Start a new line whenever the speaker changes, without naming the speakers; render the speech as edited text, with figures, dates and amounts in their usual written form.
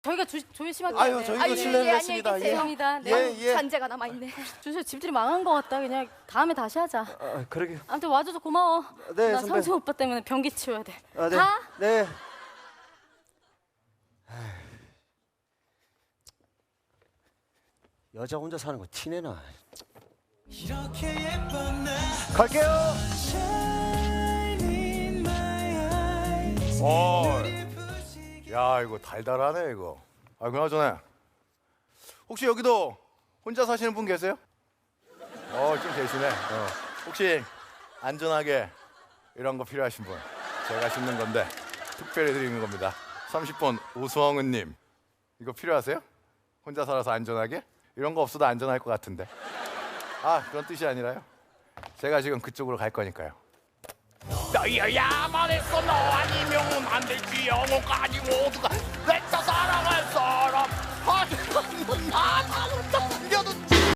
저희가 조심할게요.
아유, 저희도 실례를 했습니다.
죄송합니다. 네.
예.
잔재가 남아있네.
주실 집들이 망한 것 같다. 그냥 다음에 다시 하자.
아, 그러게요.
아무튼 와줘서 고마워.
네,
나
선배.
상승 오빠 때문에 변기 치워야 돼.
아, 네.
가.
네. 여자 혼자 사는 거 티내나. 갈게요.
야 이거 달달하네 이거. 아 그나저나 혹시 여기도 혼자 사시는 분 계세요? 좀 계시네. 혹시 안전하게 이런 거 필요하신 분 제가 싣는 건데 특별히 드리는 겁니다. 30번 오수홍은님 이거 필요하세요? 혼자 살아서 안전하게? 이런 거 없어도 안전할 것 같은데. 아 그런 뜻이 아니라요. 제가 지금 그쪽으로 갈 거니까요.
너희야만 했어 너 아니면 안 되지 영혼까지 모두가